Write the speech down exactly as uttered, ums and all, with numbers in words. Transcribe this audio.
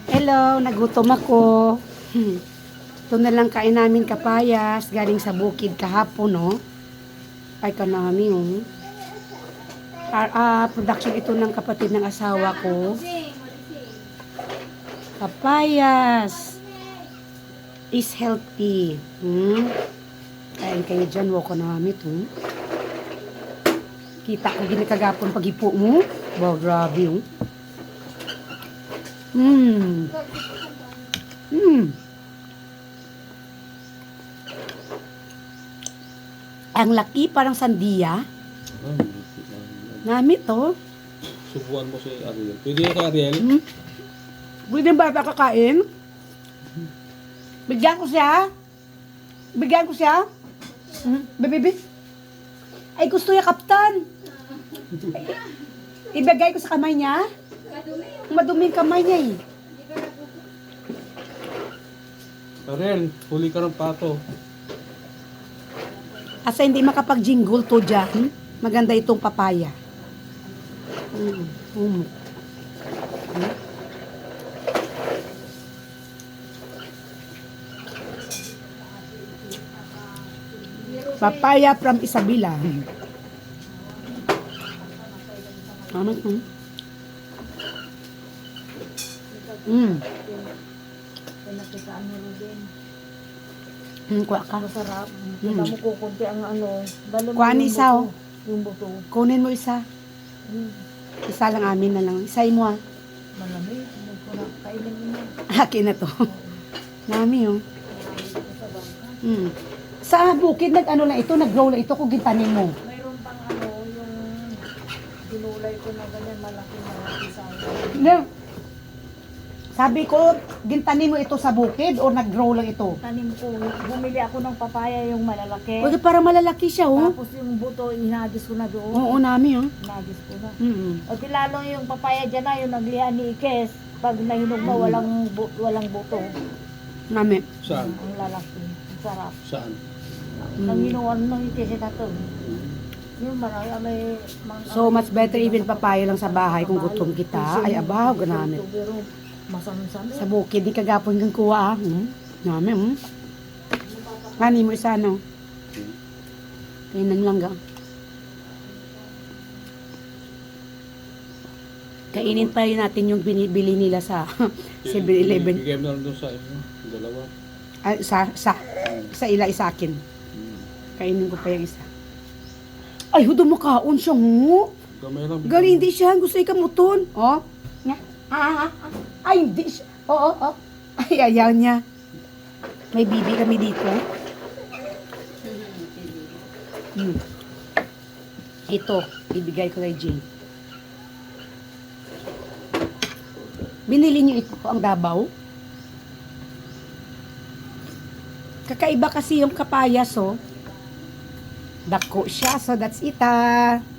Hello, nagutom ako. Hmm. Ito na lang kain namin kapayas. Galing sa bukid kahapon, no? Ay, kanami, oh. Ah, ah, production ito ng kapatid ng asawa ko. Papayas is healthy. Hmm? Kain kayo dyan, wako namin ito. Kita ko ginikagapon pag-ipo mo. Wow, grabe, oh. Hmm. Hmm. Ang laki, parang sandiya. Ah, Nami to. subuan mo si Ariel. Pwede ka, Ariel? Hmm. Pwede ba ba kakain? Bigyan ko siya. Bigyan ko siya. Hmm. Bebe, ay gusto niya, Kaptan. Ibigay ko sa kamay niya. Madumi yung kamay niya eh. Ariel, huli ka ng pato. Asa hindi makapag-jingle to dyan, maganda itong papaya. Mm. Mm. Mm. Papaya from Isabela. Ano ito? Mm. Pinakitaan mo rin. Mm, kuha ka. Masarap. Mm. Kita mo kukunti ang ano. Dali mo Kuhaan yung isa, buto. oh. Yung buto. Kunin mo isa. Mm. Isa lang amin na lang. Isay mo ah. Malamig. Hindi ko na kainin mo na. Akin na to. Nami oh. Mm. Sa bukid nag-ano lang ito, nag-grow lang ito kung gintanin mo. Mayroon pang ano, yung dinulay ko na ganyan malaki malaki sa Hindi. Sabi ko, gintanin mo ito sa bukid o nag-grow lang ito? tanim ko. Bumili ako ng papaya yung malalaki. Pwede para malalaki siya oh. Tapos yung buto, inagis ko na doon. Oo, nami oh. Inagis ko na. Mm. O tilalo yung papaya dyan na, yung naglihan ni Ikes. Pag nahinog mo, walang, bu- walang buto. Nami. Saan? Ang lalaki. Ang sarap. Saan? Nang Mm. hinuwan ng Ikes na to. Yung marami, may... Mang, So, much better even papaya lang sa bahay kung gutom kita. Ay, abaw, ganamit. Pero masam-sam. Sa bukid, di kagapon kang kuha ah. Hmm? Nami, hmm? Ngani mo isa, no? Kainan lang ga. Kainin pa rin natin yung binibili nila sa seven eleven. Bigay mo na lang doon sa inyo. Dalawa. Ay, sa, sa, sa ila, isa akin. Hmm. Kainin ko pa yung isa. Ay, hudo mo kaon siya, ho. Gamay lang. bigyan Gali, mo. hindi siya. Gusto ikamuton. Oh. Nga. Ah, ah, ah. Ay, hindi siya. Oo, oh, oh. Ay, ayaw niya. May bibi kami dito. Hmm. Ito, ibigay ko kay Jane. Binili niyo ito, ang Dabaw. Kakaiba kasi yung kapayas, oh. Dako siya, so that's it, ah.